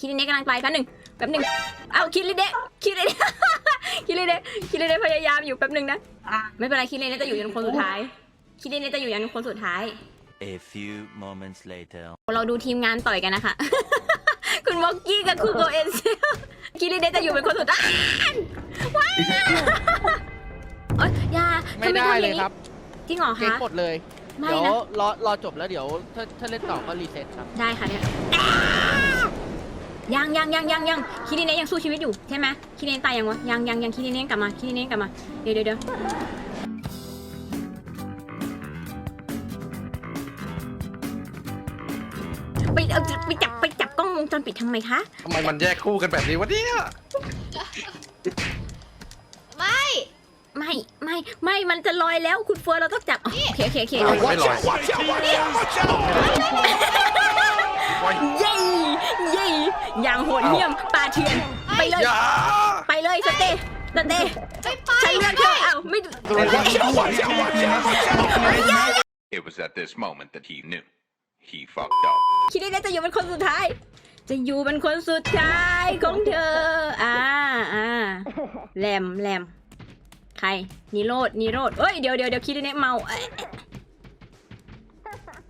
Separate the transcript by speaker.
Speaker 1: คิริเนะกำลังไปแป๊บหนึ่งเอาคิริเนะคิริเนะพยายามอยู่แป๊บหนึ่งนะไม่เป็นไรคิริเนะจะอยู่ยันคนสุดท้ายคิริเนะจะอยู่ยันคนสุดท้าย
Speaker 2: A few moments later
Speaker 1: เราดูทีมงานต่อยกันนะคะ คุณวอกกี้กับคุณโกเอ็นเซลคิริเนะจะอยู่เป็นคนสุดท้ายว้าวโอ๊ยยา
Speaker 3: ไม่ได้เลยครับ
Speaker 1: จริงเหรอ
Speaker 3: เจ๊ง
Speaker 1: คะ
Speaker 3: หมดเลย
Speaker 1: ไม่
Speaker 3: เดี๋ยว
Speaker 1: นะ
Speaker 3: รอจบแล้วเดี๋ยวถ้าเล่นต่อก็รีเซ็ตครับ
Speaker 1: ได้ค่ะเนี่ยยังคิริเนะยังสู้ชีวิตอยู่ใช่ไหมคิริเนะตายยังวะยังคิริเนะกลับมาเดี๋ยวไปจับกล้องวงจรปิดทำไมคะ
Speaker 4: ทำไมมันแยกคู่กันแบบนี้วะเนี่ย
Speaker 1: ไม่มันจะลอยแล้วคุณเฟิร์นเราต้องจับโอเค
Speaker 4: ไม่ลอย
Speaker 1: เย้อย่างโหดเหี้ยมป่าเถื่อนไปเลยสเต้ฉันเลือกเธอไม่
Speaker 5: It was at this moment that he knew. He fucked up.
Speaker 1: คิดได้จะอยู่เป็นคนสุดท้ายของเธอแหลมใครนิโรธเอ้ยเดี๋ยวคิดได้เมา